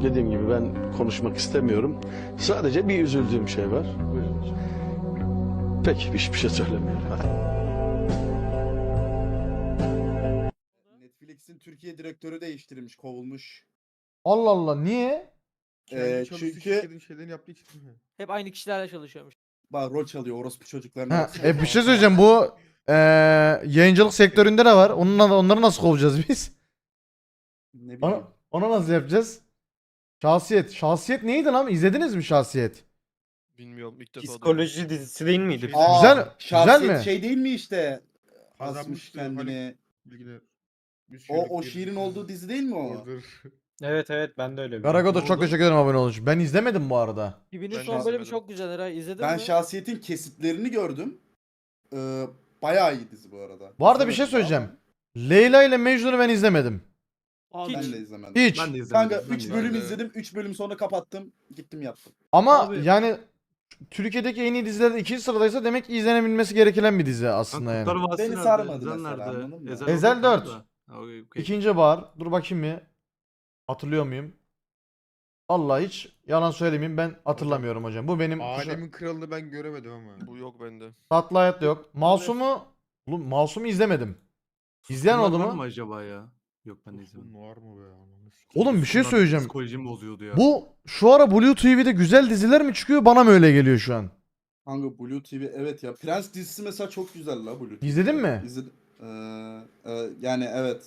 dediğim gibi ben konuşmak istemiyorum. Sadece bir üzüldüğüm şey var. Buyurun. Peki hiçbir şey söylemiyorum. Hadi. Netflix'in Türkiye direktörü değiştirilmiş, kovulmuş. Allah Allah, niye? Kendi çalıştığı Çünkü şirketin şeylerini yaptığı için mi? Hep aynı kişilerle çalışıyormuş. bak rol çalıyor orospu çocuklarına. Ha, baksana. bir şey söyleyeceğim, bu yayıncılık sektöründe de var. Onları nasıl kovacağız biz? Ne bileyim. Ona nasıl yapacağız? Şahsiyet. Şahsiyet neydi lan? İzlediniz mi Şahsiyet? Bilmiyorum ilk defa Psikoloji dizisi değil miydi? Şey- Aa, Güzel- şahsiyet güzel mi? şey değil mi işte? Asmış Kazanmıştı kendini. Bilgiler. Biz O şöyle şiirin girdik. olduğu dizi değil mi o? Order. Evet evet ben de öyle biliyorum. Garagoda Ne çok oldu? teşekkür ederim abone olduğun için. Ben izlemedim bu arada. Bibi'nin Ben son de bölümü izlemedim. çok güzel Eray. İzledin Ben mi? şahsiyetin kesitlerini gördüm. Bayağı iyi dizi bu arada. Bu arada bir şey İzlemedim söyleyeceğim. ama Leyla ile Mecnun'u ben izlemedim. Hiç. Ben de izlemedim. Hiç. Ben de izlemedim. Kanka Ben 3 de bölüm izlemedim. izledim. 3 bölüm sonra kapattım. Gittim yattım. Ama Abi- yani Türkiye'deki en iyi dizilerde ikinci sıradaysa demek ki izlenebilmesi gereken bir dizi aslında yani. Kurtlar Vadisi Beni nerede? sarmadı Ezel mesela, nerede? anladın mı? Ezel orada 4. da. Ha, okey. İkinci Bahar. Dur bakayım bir. Hatırlıyor muyum? Vallahi hiç yalan söylemeyeyim, ben hatırlamıyorum hocam. Bu benim Alemin kralını ben göremedim ama. Bu yok bende. tatlı hayat da yok. Masum'u oğlum, Masum'u izlemedim. İzleyen oldu Bunlar var mu? mı acaba ya? Yok ben de izlemedim. Var mı be? Ananı sikeyim. Oğlum bir şey Bunlar söyleyeceğim. Psikolojimi bozuyordu ya. Bu şu ara Blue TV'de güzel diziler mi çıkıyor? Bana mı öyle geliyor şu an? Hangi Blue TV? Evet ya. Prens dizisi mesela çok güzel la Blue TV. İzledin mi? İzledim. Yani evet.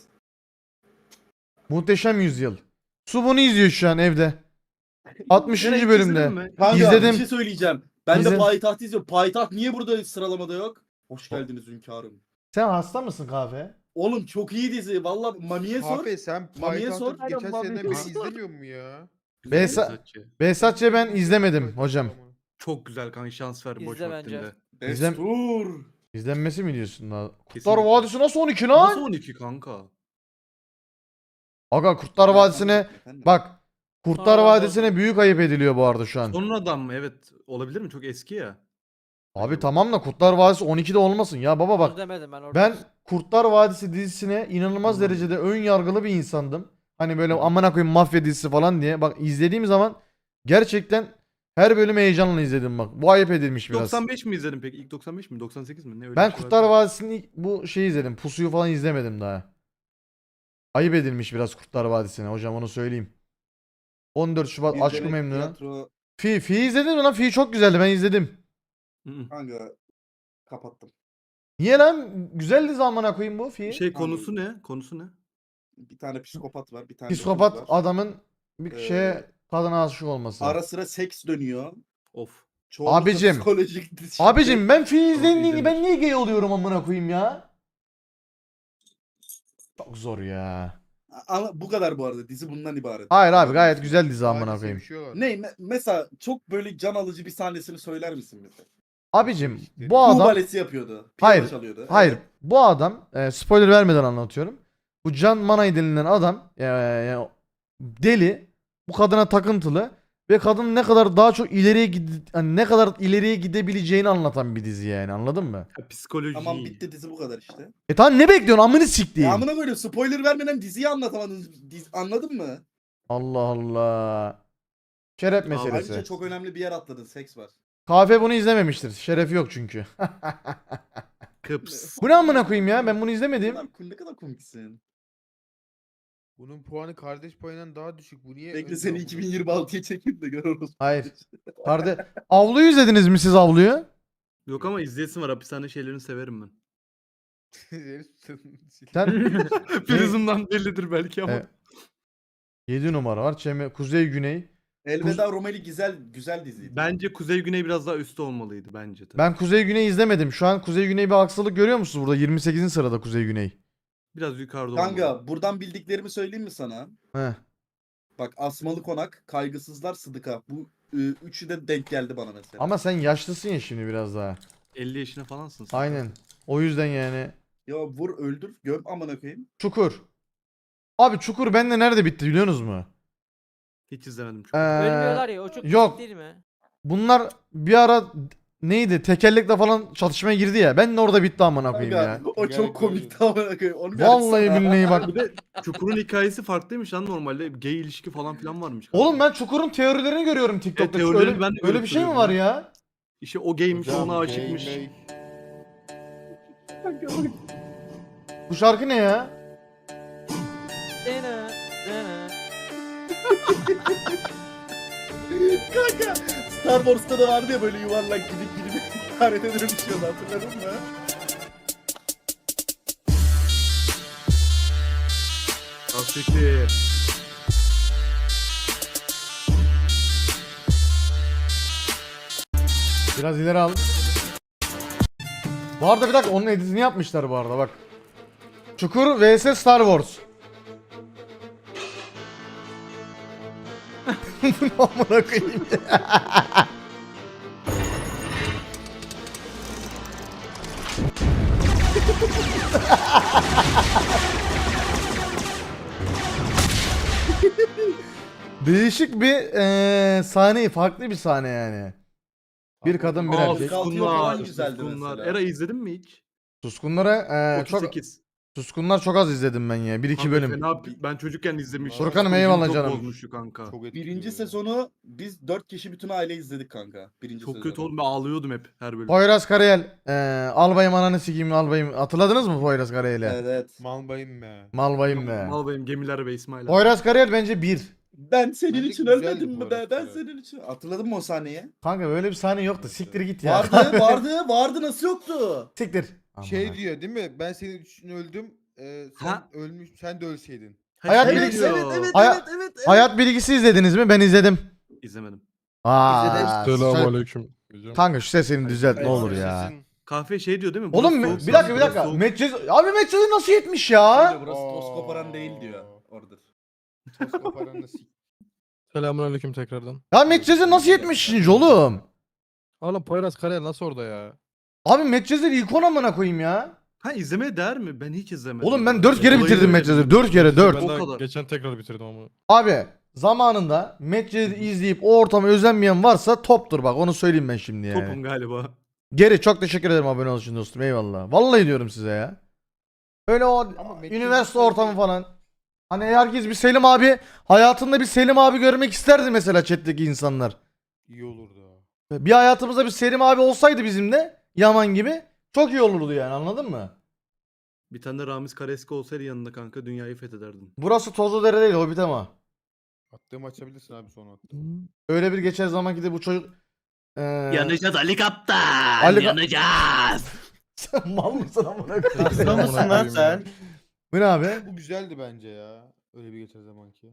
Muhteşem Yüzyıl. Su bunu izliyor şu an evde. 60. Direkt bölümde. izledin mi? Kanka İzledim. bir şey söyleyeceğim. Ben İzle- de Payitaht izliyorum. Payitaht niye burada sıralamada yok? Hoş geldiniz hünkârım. Sen hasta mısın kahve? Oğlım çok iyi dizi. Valla Mami'ye sor. Kahve sen Mami'ye sor. Payitaht'ı geçen Aynen, seneden Mami'ye beri sor. izlemiyor mu ya? Behzat- Behzatçı'yı ben izlemedim hocam. Çok güzel kanka, şans ver boş İzle bence. vaktinde. Destur. İzlenmesi mi diyorsun daha? Kurtlar Kesinlikle. Vadisi nasıl 12 Nasıl lan? 12 kanka? Aga Kurtlar Vadisi'ne Efendim? bak. Kurtlar Aa, Vadisi'ne büyük ayıp ediliyor bu arada şu an. Sonradan mı? Evet. Olabilir mi? Çok eski ya. Abi tamam da Kurtlar Vadisi 12'de olmasın ya baba Onu bak. demedim ben orada. Ben Kurtlar Vadisi dizisine inanılmaz derecede ön yargılı bir insandım. Hani böyle amına koyayım mafya dizisi falan diye. Bak izlediğim zaman gerçekten her bölümü heyecanla izledim bak. Bu ayıp edilmiş biraz. 95 mi izledin peki? İlk 95 mi? 98 mi? Ne öyle Ben bir şey Kurtlar vardı. Vadisi'nin ilk bu şeyi izledim. Pusuyu falan izlemedim daha. Ayıp edilmiş biraz Kurtlar Vadisi'ne hocam, onu söyleyeyim. 14 Şubat Bir Aşk-ı denek Memnu. tiyatro. Fi izledin mi lan? Fi çok güzeldi, ben izledim. Hı hı. Kanka kapattım. Niye lan? Güzel dizi amına koyayım bu Fi. Şey konusu ne? Konusu ne? Bir tane psikopat var. Bir tane de Psikopat kız var. adamın bir Ee, şeye kadına aşık olması. Ara sıra seks dönüyor. Of. Çoğunlukla Abicim. psikolojik şiddet. Abicim ben Fi izlediğini izlemiş. ben niye gay oluyorum amına koyayım ya? Çok zor ya. Bu kadar bu arada. Dizi bundan ibaret. Hayır abi, gayet güzel dizi amına Hadise koyayım. sevişiyorlar. Ne? Mesela çok böyle can alıcı bir sahnesini söyler misin bize? Abicim bu Kuğu adam balesi yapıyordu. Piyano Hayır, çalıyordu. hayır, Evet. bu adam spoiler vermeden anlatıyorum. Bu Can Manay denilen adam deli, bu kadına takıntılı ve kadın ne kadar daha çok hani ne kadar ileriye gidebileceğini anlatan bir dizi yani, anladın mı? Ha, psikoloji. Tamam bitti dizi bu kadar işte. Tamam, ne bekliyorsun amını siktiğim. Ya amına koyayım spoiler vermeden diziyi anlatamadınız. Anladın mı? Allah Allah. Şeref meselesi. Ayrıca çok önemli bir yer atladın. Seks var. Kahve bunu izlememiştir. Şerefi yok çünkü. Kıps. Bu ne amına koyayım ya? Ben bunu izlemedim. Ne kadar komiksin. Bunun puanı kardeş payından daha düşük. Bu niye? Bekle önde seni amına? 2026'ya çekeyim de görürüz. Hayır. Avluyu izlediniz mi siz, Avluyu? Yok ama izleyesim var. Hapishane şeylerini severim ben. Sen Prizm'dan bellidir belki ama. Evet. 7 numara var. Kuzey Güney. Elveda Romeli güzel diziydi. Bence Kuzey Güney biraz daha üstte olmalıydı bence de. Ben Kuzey Güney izlemedim. Şu an Kuzey Güney bir haksızlık görüyor musunuz burada? 28. sırada Kuzey Güney. Biraz yukarıda olmalı. Kanka buradan bildiklerimi söyleyeyim mi sana? Heh. Bak Asmalı Konak, Kaygısızlar, Sıdıka. Bu üçü de denk geldi bana mesela. Ama sen yaşlısın ya şimdi biraz daha. 50 yaşına falansın sen. Aynen. O yüzden yani. Ya vur öldür göm amına koyayım. Çukur. Abi Çukur bende nerede bitti biliyorsunuz mu? Hiç izlemedim çok. Ee, Ölmüyorlar ya o çok yok. küçük değil mi? Bunlar bir ara neydi? Tekerlekle falan çatışmaya girdi ya. Ben de orada bitti amına koyayım ya. Kanka, o çok komikti amına koyayım. Onu bir Vallahi açsana. billahi bak. Bir de Çukur'un hikayesi farklıymış lan normalde. Gay ilişki falan filan varmış. Oğlum ben Çukur'un teorilerini görüyorum TikTok'ta. teorileri öyle, ben de öyle görüp bir şey mi duruyorum var ya. ya? İşte o gaymiş ona aşıkmış. Bu şarkı ne ya? Dene, dene. Kanka Star Wars'ta da vardı ya böyle yuvarlak gidip haritede dönüşüyordu, hatırladın mı? Asiktir. Biraz ileri al. Bu arada bir dakika onun editini yapmışlar bu arada bak. Çukur vs Star Wars. Bu ne amına koyayım ya? Değişik bir sahne, farklı bir sahne yani. Bir kadın bir Aa, erkek. Kalkıyor falan Suskunlar. güzeldi Suskunlar. mesela. Era izledin mi hiç? Suskunlara çok 38. Suskunlar çok az izledim ben ya. 1-2 Kanka bölüm. fena, ben çocukken izlemiştim. Furkan'ım, Psikolojimi eyvallah çok canım. bozmuştu kanka. Çok etkili Birinci ya. sezonu biz 4 kişi bütün aile izledik kanka. Birinci Çok sezonu. kötü oğlum, ben ağlıyordum hep her bölüm. Poyraz Karayel. Albayım ananı sikeyim albayım. Hatırladınız mı Poyraz Karayel'i? Evet, evet. Malbayım be. Malbayım be. Mal benim gemiler ve İsmail abi. Poyraz Karayel bence 1. Ben senin Bence için güzeldi ölmedim bu mi be? arada. Ben senin için. Hatırladın mı o sahneyi? Kanka böyle bir sahne yoktu. Siktir git ya. Vardı nasıl yoktu? Siktir. Şey Aman. diyor değil mi? Ben senin için öldüm. Sen Ha? ölmüş, sen de ölseydin. Hayat Şey bilgisi- diyor. Haya- Hayat bilgisi izlediniz mi? Ben izledim. İzlemedim. Aa, Selamünaleyküm. kanka şu sesini düzelt ne olur ya. Kahve şey diyor değil mi? Oğlum Burası soğuk, bir dakika bir burası dakika. soğuk. Medcez abi Medcez'i nasıl yetmiş ya? Burası toz koparan değil diyor. Orada. Toz koparanı sik. Selamünaleyküm tekrardan. Ya Medcez'i nasıl yetmişsiniz oğlum? Oğlum Poyraz Karayel nasıl orada ya? Abi Medcez'i ilk amına koyayım ya. Ha, izlemeye değer mi? Ben hiç izlemedim. Oğlum ben 4 kere Olayı bitirdim öyle Medcez'i. bilmiyorum. 4 kere 4. Ben O daha kadar. geçen tekrar bitirdim ama. Abi zamanında Medcez'i izleyip o ortamı özenmeyen varsa toptur bak onu söyleyeyim ben şimdi yani. Topum galiba. Geri çok teşekkür ederim abone olduğunuz için dostum eyvallah. Vallahi diyorum size ya. Öyle o Ama Medcez'i üniversite sadece- ortamı falan. Hani herkes bir Selim abi hayatında bir Selim abi görmek isterdi mesela chat'teki insanlar. İyi olurdu. Bir hayatımızda bir Selim abi olsaydı bizim de Yaman gibi çok iyi olurdu yani anladın mı? Bir tane de Ramiz Kareski olsaydı yanında kanka dünyayı fethederdin. Burası Tozludere değil Hobbit ama. Attığımı açabilirsin abi sonra attığımı. Öyle bir geçer zaman ki de bu çocuk Yanacağız Ali Kaptan. Ali- Yanacağız. Sen mal mısın amına koyayım? Hasta mısın lan sen? Bu ne abi? Bu güzeldi bence ya. Öyle bir geçer zamanki.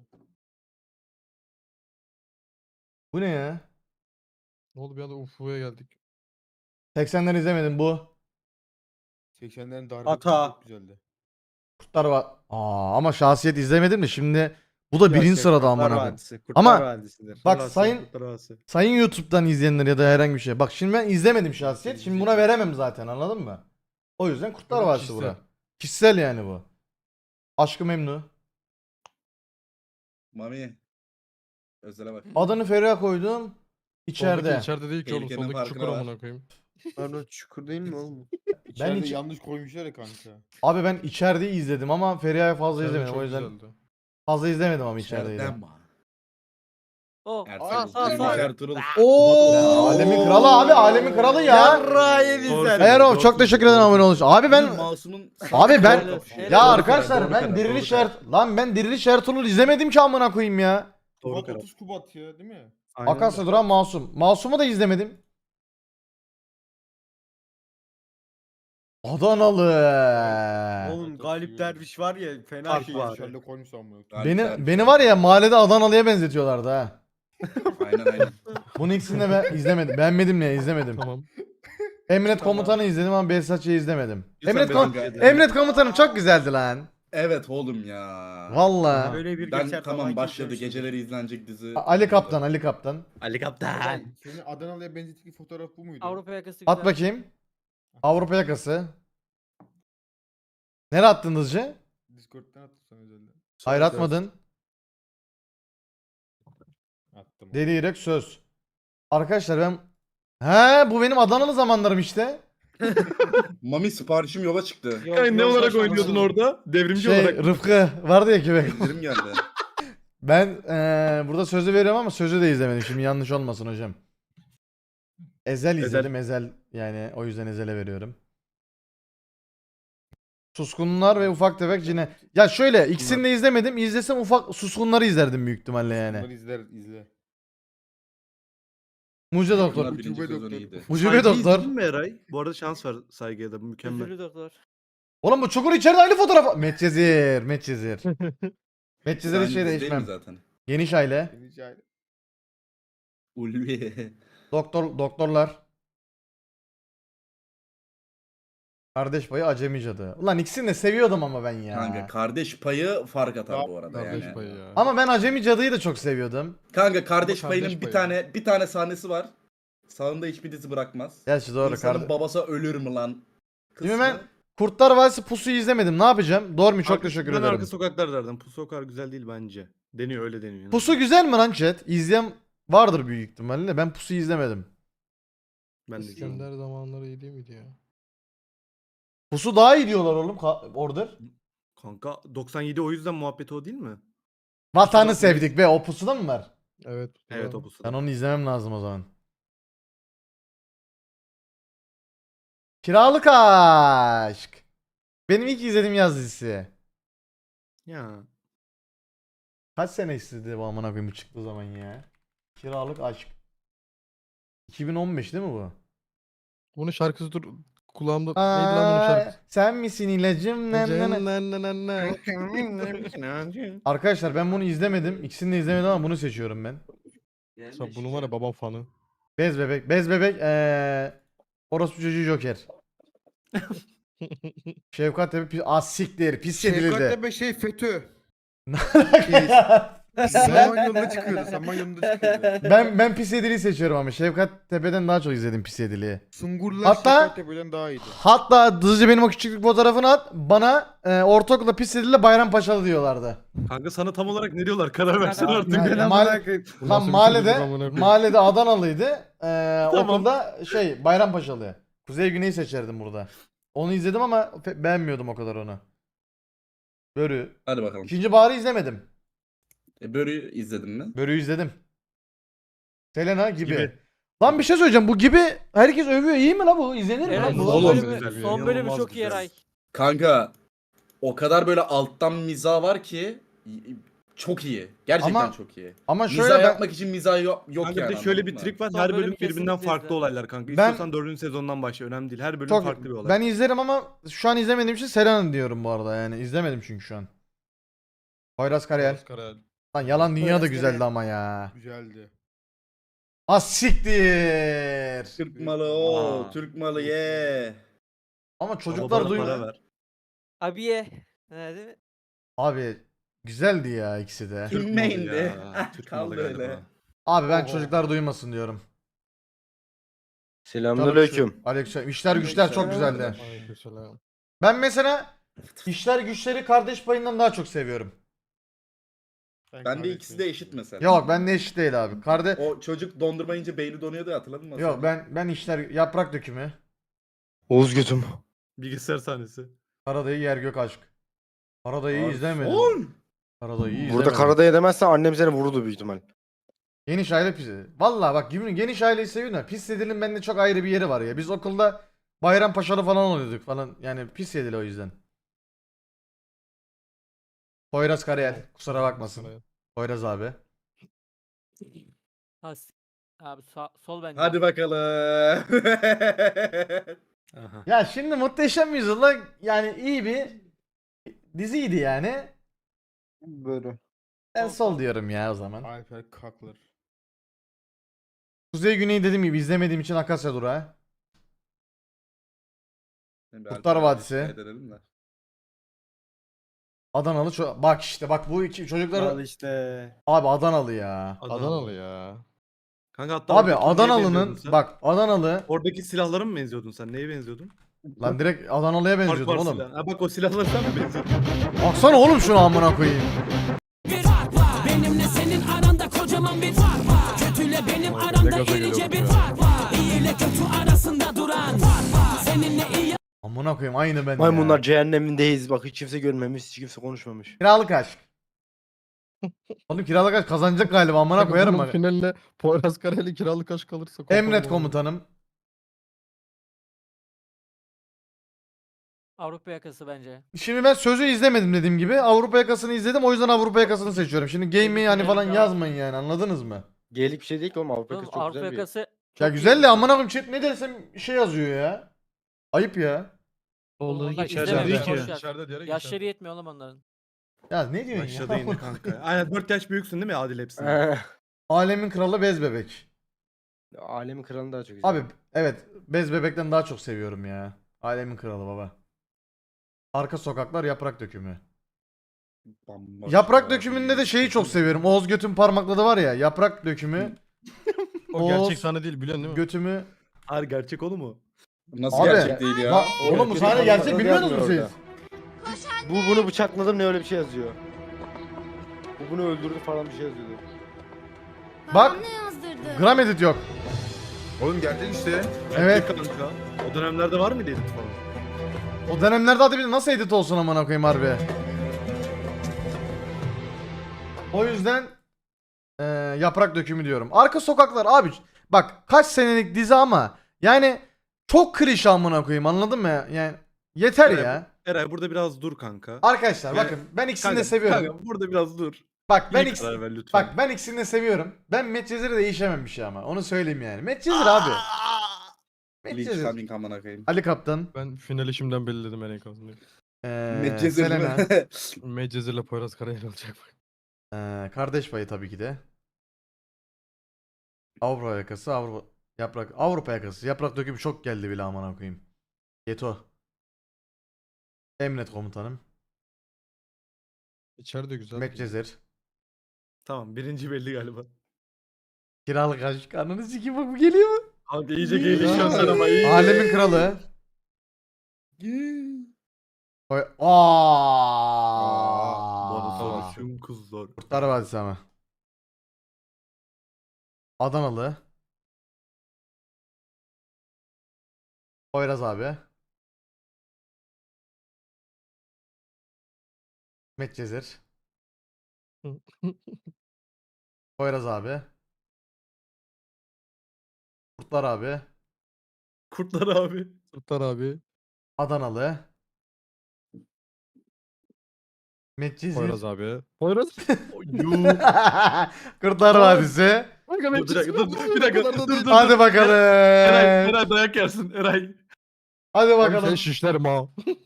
Bu ne ya? Ne oldu bir anda UFO'ya geldik. 80'leri izlemedim bu. 80'lerin darbesi Ata. çok güzeldi. Kurtlar var. Ama şahsiyet izlemedim de şimdi bu da birinci sırada amına koyayım. Ama bak sayın YouTube'dan izleyenler ya da herhangi bir şey. Bak şimdi ben izlemedim şahsiyet. Şimdi buna veremem zaten anladın mı? O yüzden Kurtlar Benim Vadisi kişisel. bura. Kişisel yani bu. Aşkı Memnu. Mami. Özele bak. Adını Feriha koydum. Soldaki İçeride. içeride değil ki oğlum. Tehlikenin Soldaki farkına çukur var. amına koyayım. Pardon çukur değil mi oğlum? İçeride hiç- yanlış koymuşlar ya kanka. Abi ben içerideyi izledim ama Feriha'yı fazla İçeride izlemedim. çok O yüzden güzeldi. fazla izlemedim ama içerideyi. İçeriden mi? O. Ertuğrul. Oo! Alemin kralı abi, alemin kralı ya. Yarrağı Doğru sen. Erol çok teşekkür ederim abone olduğunuz için. Abi ben Masumun... Abi ben Helal- ya helal- arkadaşlar doğru ben karar, Diriliş doğru karar. Lan ben Diriliş Ertuğrul izlemedim ki amına koyayım ya. Doğru Kubat karar. 30 Kubat ya değil mi? Aynen Akasya öyle. duran Masum. Masum'u da izlemedim. Adanalı. Oğlum Galip Derviş var ya fena Fark şey. var. İçeride koymuş ama. Beni var ya mahallede Adanalı'ya benzetiyorlardı ha. Aynen. Bunun ikisini de ben izlemedim. Beğenmedim ne izlemedim. Tamam. Emret Komutan'ı izledim ama Behzatçı'yı izlemedim. Lütfen Emret Komutan'ım çok güzeldi lan. Evet oğlum ya. Valla. Böyle bir Ben geçer tamam falan başladı kimse- geceleri izlenecek dizi. Ali Kaptan, Ali Kaptan. Ali Kaptan. Senin Adanalı'ya benzettiğin fotoğraf bu muydu? Avrupa yakası At güzel. bakayım. Avrupa yakası. Nereye attın hızcı? Discord'dan attım sana özelden. Hayır atmadın. Attım. Deli yürek söz. Arkadaşlar ben He bu benim Adanalı zamanlarım işte. Mami siparişim yola çıktı. Ne olarak oynuyordun orada? Devrimci Şey olarak. Rıfkı vardı ya köpek. Bildirim geldi. Ben burada sözü veriyorum ama sözü de izlemedim. Şimdi yanlış olmasın hocam. Ezel izledim. Ezel yani o yüzden Ezel'e veriyorum. Suskunlar ve ufak tefek cine. Ya şöyle ikisini de izlemedim. İzlesem ufak suskunları izlerdim büyük ihtimalle Bunları yani. izle. Mucize Bunlar Doktor. birinci sezonu iyiydi. Mucize Doktor. izledin mi Eray? Bu arada şans var Saygı'ya da bu mükemmel. Üzülü doktor. Oğlum bu Çukur içeride aynı fotoğraf. Medcezir. Medcezir. Medcezir'in Aynı şey dizi değil mi değişmem. zaten? Geniş aile. Ulvi. Doktorlar. Kardeş payı acemi cadı. Ulan ikisini de seviyordum ama ben ya. Kanka kardeş payı fark atar bu arada Kardeş yani. payı ya. Ama ben acemi cadıyı da çok seviyordum. Kanka kardeş Ama payının kardeş bir tane sahnesi var. Sağında hiçbir dizi bırakmaz. Gerçi doğru. İnsanın babası ölür mü lan? Şimdi ben Kurtlar Vadisi Pusu'yu izlemedim. Ne yapacağım? Doğru mu? Çok teşekkür Ben ederim. Arka sokaklar derdim. Pusu o kadar güzel değil bence. Deniyor öyle deniyor. yani. Pusu güzel mi lan chat? İzleyen vardır büyük ihtimalle. Ben Pusu'yu izlemedim. Ben de izledim. İskender zamanları iyi değil miydi ya? Pusu daha iyi diyorlar oğlum. Order. Kanka 97 o yüzden muhabbeti o değil mi? Vatanı sevdik be. O Pusu'da mı var? Evet. Evet o Pusu. Ben onu izlemem lazım o zaman. Kiralık Aşk. Benim ilk izlediğim yaz dizisi. Ya. Kaç sene istedi bu amına koyayım bu çıktığı zaman ya. Kiralık Aşk. 2015 değil mi bu? Bunun şarkısı dur kulağımda. Neydi lan bunun şarkısı? Sen misin ilacım? Arkadaşlar ben bunu izlemedim. İkisini de izlemedim ama bunu seçiyorum ben. Sen bunun var ya babam fanı. Bez bebek. Bez bebek. Orospu çocuğu Joker. Şefkat Tepe pis... siktir. Pis Şefkat yedildi. Tepe şey FETÖ. Ya. Samanyolu'na çıkıyordu. Samanyolu'na çıkıyordu. ben pis yediliği seçiyorum ama Şefkat Tepe'den daha çok izledim pis yediliği. Sungurlar Hatta- Şefkat Tepe'den daha iyiydi. Hatta hızlıca benim o küçüklük fotoğrafını at. Bana ortaokulda pis yediliyle Bayrampaşalı diyorlardı. Kanka sana tam olarak ne diyorlar? Karar versene artık. Yani Ben mahalle- amına koyayım. Bu Tam nasıl bir mahallede, çocuk amına koyayım? mahallede Adanalıydı. Tamam. Okulda şey Bayrampaşalı. Kuzey Güney seçerdim burada. Onu izledim ama beğenmiyordum o kadar onu. Börü. Hadi bakalım. İkinci Bahar'ı izlemedim. Börü'yü izledin mi? Börü'yü izledim. Selena gibi. Gibi. Lan bir şey söyleyeceğim. Bu gibi herkes övüyor. İyi mi la bu? İzlenir mi Evet lan bu? son Oğlum, bölümü, güzel, son bölümü inanılmaz çok iyi güzel. Eray. Kanka o kadar alttan mizah var ki çok iyi. Gerçekten Ama çok iyi. Ama Mizah şöyle ben yapmak için mizah yok Kanka yani. bir de şöyle bir anladın mı? trik var. Son Her bölüm bölüm birbirinden kesinlikle farklı izle. olaylar kanka. Ben- İstiyorsan 4. sezondan başla. Önemli değil. Her bölüm çok farklı bir olay. ben izlerim ama şu an izlemediğim için Selena diyorum bu arada yani. İzlemedim çünkü şu an. Poyraz Karayel. Oscar Lan Yalan Dünya da Poyraz güzeldi Karayel. ama ya. Güzeldi. Az siktir. Türk malı o, Aa. Türk malı ye. Ama Baba çocuklar bana para duymuyor. ver. Abiye. Ne değil mi? Abi güzeldi ya ikisi de. Türk malı Kimeyindi? ya. Türk malı Kaldı galiba. öyle. Abi ben Oho. çocuklar duymasın diyorum. Selamünaleyküm. Aleyküm. İşler güçler çok güzeldi. Aleykümselam. Ben mesela işler güçleri kardeş payından daha çok seviyorum. Ben de ikisi de eşit mesela. Yok ben de eşit değil abi. O çocuk dondurma yiyince beyni donuyordu ya, hatırladın mı? Yok ben işler yaprak dökümü. Oğuz götüm. Bilgisayar sahnesi. Karadayı yer gök aşk. Karadayı Abi, izlemedim. son! Karadayı izlemedim. Burada Karadayı demezsen annem seni vururdu büyük ihtimal. Geniş aile pis. Valla bak geniş aileyi seviyorum da pis yedilin bende çok ayrı bir yeri var ya. Biz okulda Bayrampaşalı falan oluyorduk falan. Yani pis yedili o yüzden. Poyraz Karayel. Kusura bakmasın. Poyraz abi. Abi sol bence. Hadi bakalım. Aha. Ya şimdi Muhteşem Yüzyıl'da yani iyi bir diziydi yani. Böyle. Ben sol diyorum ya o zaman. Alper Kaklar. Kuzey Güney dediğim gibi izlemediğim için Akasya Durağı. Kurtlar Vadisi. Edelim de. Adanalı bak işte bak bu iki çocuklar Al işte. abi Adanalı ya. Adanalı ya. Kanka hatta Abi oradaki neye benziyordun Adanalı'nın sen? bak Adanalı Oradaki silahlara mı benziyordun sen? Neye benziyordun? lan direkt Adanalı'ya Fark benziyordum var oğlum. silah. Ha bak o silahlara sen mi benziyordun? Baksana oğlum şunu amına koyayım. Bir fark var. Benimle senin aranda kocaman bir fark var. Kötüyle benim Vay be, ne aramda gaza irice geliyorduk bir ya. fark var. İyi ile Amına koyayım aynı ben Maymunlar ya. cehennemindeyiz. Bak hiç kimse görmemiş, hiç kimse konuşmamış. Kiralık aşk. Oğlum kiralık aşk kazanacak galiba amına Kanka koyarım bunun bak. finaline Poyraz Karayel kiralık aşk kalırsa. Emret koparım onu. komutanım. Avrupa yakası bence. Şimdi ben sözü izlemedim dediğim gibi. Avrupa yakasını izledim o yüzden Avrupa yakasını seçiyorum. Şimdi game'i hani falan yazmayın yani anladınız mı? Geylik bir şey değil ki oğlum, Avrupa Oğlum, yakası çok Avrupa güzel bir yer. yakası Ya çok iyi güzel de bir amına koyayım chat ne dersem şey yazıyor ya. Ayıp ya. Onlar içeride izleme değil be, ki. boş ver. İçeride diyerek Yaşları yetmiyor oğlum onların. Ya ne diyorsun Başladı ya? yine kanka. Aynen 4 yaş büyüksün değil mi Adil hepsine? Alemin kralı bez bebek. Alemin kralını daha çok güzel. Abi evet bez bebekten daha çok seviyorum ya. Alemin kralı baba. Arka sokaklar yaprak dökümü. Yaprak dökümünde de şeyi çok seviyorum. Oğuz Göt'ün parmakladı var ya. Yaprak dökümü. O gerçek Oğuz sahne değil biliyorsun değil mi? Götümü. Hayır gerçek oğlum mu? Nasıl Abi, gerçek değil ya? Oğlum bu sahne gerçek bilmiyordunuz mu siz? Bunu bıçakladım ne öyle bir şey yazıyor. Bu bunu öldürdü falan bir şey yazıyordu. Bak. Ne yazdırdı? Gram edit yok. Oğlum gerçek işte. Evet. Kanka. O dönemlerde var mıydı edit falan? O dönemlerde hadi bir nasıl edit olsun amına koyayım harbi. O yüzden yaprak dökümü diyorum. Arka sokaklar abi bak kaç senelik dizi ama yani çok klişe amına koyayım anladın mı? Yani yeter Evet. ya. Eray burada biraz dur kanka. Arkadaşlar Ya, bakın ben ikisini Kanka, de seviyorum. Kanka burada biraz dur. Bak ben İyi karar ver lütfen. bak ben ikisini de seviyorum. Ben Medcezir'i değişemem bir şey ama. Onu söyleyeyim yani. Medcezir abi. Leech Medcezir. coming amına koyayım. Ali Kaptan. Ben finali şimdiden belirledim en kazanıyor. Medcezir Selena. mi? Medcezir'le Poyraz Karayel olacak bak. Kardeş payı tabii ki de. Avrupa yakası, Avrupa yakası. Yaprak dökümü çok geldi bile amına koyayım. Yeto. Emret komutanım. İçeride güzel. Medcezir. Tamam birinci belli galiba. Kiralık aşk. Ananı sikeyim bak bu geliyor mu? Kanka iyice gelişiyorsun sen ama iyi. Alemin kralı. Bana Aa. soruşun kızlar. Kurtlar Vadisi ama. Adanalı. Poyraz abi. Medcezir. Poyraz abi. Kurtlar abi. Kurtlar abi. Kurtlar abi. Adanalı. Medcezir. Poyraz abi. Poyraz. Kurtlar Vadisi. Kanka Dur, bir dakika, dur, bir dakika, dur. Hadi bakalım. Eray dayak yersin Eray. Hadi Bakalım. bakalım. Sen şişlerim ha.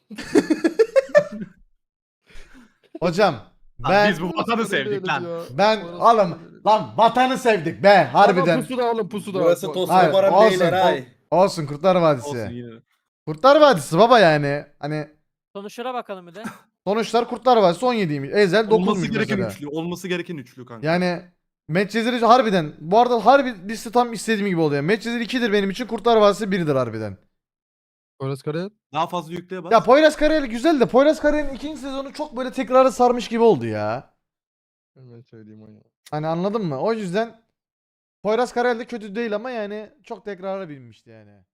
Hocam Lan ben biz bu vatanı sevdik lan. oğlum lan vatanı sevdik be harbiden. Pusuda oğlum pusuda. Burası Hayır, Tosun olsun, beyler ay. Olsun Kurtlar Vadisi. Olsun yine. Kurtlar Vadisi baba yani. Hani Sonuçlara bakalım bir de. sonuçlar Kurtlar Vadisi 17'ymiş. Ezel Olması 9'muş gereken mesela. üçlü. Olması gereken üçlü kanka. Yani Medcezir harbiden bu arada harbi liste tam istediğim gibi oluyor. Medcezir 2'dir benim için Kurtlar Vadisi 1'dir harbiden. Poyraz Karayel. Daha fazla yükleye bas. Ya Poyraz Karayel güzel de Poyraz Karayel'in ikinci sezonu çok böyle tekrarı sarmış gibi oldu ya. Ben söyleyeyim onu. Hani anladın mı? O yüzden Poyraz Karayel de kötü değil ama yani çok tekrara binmişti yani.